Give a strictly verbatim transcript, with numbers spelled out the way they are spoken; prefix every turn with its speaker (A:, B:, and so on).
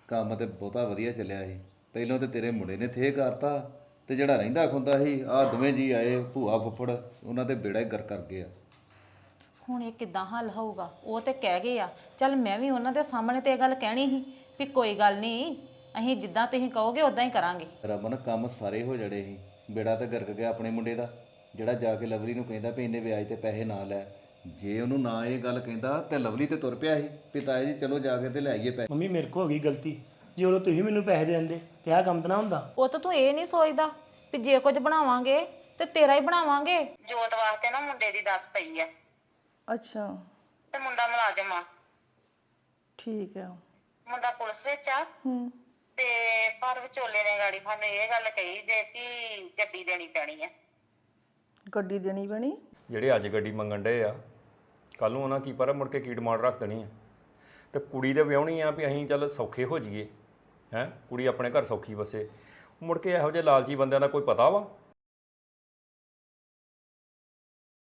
A: ਕੰਮ ਤੇ ਬਹੁਤਾ ਵਧੀਆ ਚੱਲਿਆ ਸੀ। ਪਹਿਲਾਂ ਤੇ ਤੇਰੇ ਮੁੰਡੇ ਨੇ ਥੇ ਕਰਤਾ ਤੇ ਜਿਹੜਾ ਰਹਿੰਦਾ ਖੁੰਦਾ ਸੀ ਆਹ ਦੋਵੇਂ ਜੀ ਆਏ ਭੂਆ ਫੁੱਫੜ ਉਹਨਾਂ ਤੇ ਬੇੜਾ ਹੀ ਗਰ ਕਰ ਗਿਆ।
B: ਹੁਣ ਇਹ ਕਿੱਦਾਂ ਹੱਲ ਹੋਊਗਾ? ਉਹ ਤੇ ਕਹਿ ਗਏ ਆ। ਚੱਲ ਮੈਂ ਵੀ ਉਹਨਾਂ ਦੇ ਸਾਹਮਣੇ ਤੇ ਇਹ ਗੱਲ ਕਹਿਣੀ ਸੀ ਵੀ ਕੋਈ ਗੱਲ ਨਹੀਂ, ਅਸੀਂ ਜਿੱਦਾਂ ਤੁਸੀਂ ਕਹੋਗੇ ਉਦਾਂ ਹੀ ਕਰਾਂਗੇ।
A: ਰਮਨ ਕੰਮ ਸਾਰੇ ਹੋ ਜੜੇ ਸੀ, ਬੇੜਾ ਤੇ ਗਰਕ ਗਿਆ ਆਪਣੇ ਮੁੰਡੇ ਦਾ। ਜਿਹੜਾ ਜਾ ਕੇ ਲਵਲੀ ਨੂੰ ਕਹਿੰਦਾ ਵੀ ਇੰਨੇ ਵਿਆਜ ਤੇ ਪੈਸੇ ਨਾ ਲੈ, ਜੇ ਉਹਨੂੰ ਨਾ ਇਹ ਗੱਲ ਕਹਿੰਦਾ ਤੇ ਲਵਲੀ ਤੇ ਤੁਰ ਪਿਆ ਸੀ ਵੀ ਤਾਏ ਜੀ ਚਲੋ ਜਾ ਕੇ ਤੇ ਲੈ ਆਈਏ ਪੈਸੇ।
C: ਮੰਮੀ ਮੇਰੇ ਕੋ ਹੋ ਗਈ ਗਲਤੀ, ਜੇ ਉਦੋਂ ਤੁਸੀਂ ਮੈਨੂੰ ਪੈਸੇ ਦੇ ਦਿੰਦੇ ਤੇ ਆਹ ਕੰਮ ਤਾਂ ਨਾ ਹੁੰਦਾ।
B: ਉਹ ਤਾਂ ਤੂੰ ਇਹ ਨਹੀਂ ਸੋਚਦਾ ਵੀ ਜੇ ਕੁਝ ਬਣਾਵਾਂਗੇ ਤੇ ਤੇਰਾ ਹੀ ਬਣਾਵਾਂਗੇ।
D: ਜੋਤ ਵਾਸਤੇ ਨਾ ਮੁੰਡੇ ਦੀ ਦੱਸ ਪਈ ਆ
E: ਅੱਛਾ
D: ਤੇ ਮੁੰਡਾ ਮੁਲਾਜ਼ਮ ਆ,
E: ਠੀਕ ਆ।
D: ਮੁੰਡਾ ਪੁਲਿਸ ਵਿੱਚ ਆ
E: ਹੂੰ
D: ਤੇ ਪਰ ਵਿਚੋਲੇ ਨੇ ਗਾੜੀ ਸਾਨੂੰ ਇਹ ਗੱਲ ਕਹੀ ਜੇ ਕਿ ਗੱਡੀ ਦੇਣੀ ਪੈਣੀ ਆ।
E: ਗੱਡੀ ਦੇਣੀ ਪੈਣੀ?
F: ਜਿਹੜੇ ਅੱਜ ਗੱਡੀ ਮੰਗਣ ਡਏ ਆ, ਕੱਲ ਨੂੰ ਉਹਨਾਂ ਕੀ ਪਤਾ ਮੁੜ ਕੇ ਕੀ ਡਿਮਾਂਡ ਰੱਖ ਦੇਣੀ ਆ। ਤੇ ਕੁੜੀ ਦੇ ਵਿਆਹਣੀ ਆ ਵੀ ਅਸੀਂ ਚੱਲ ਸੌਖੇ ਹੋ ਜਾਈਏ, ਹੈਂ ਕੁੜੀ ਆਪਣੇ ਘਰ ਸੌਖੀ ਵਸੇ। ਮੁੜ ਕੇ ਇਹੋ ਜਿਹੇ ਲਾਲਚੀ ਬੰਦਿਆਂ ਦਾ ਕੋਈ ਪਤਾ ਵਾ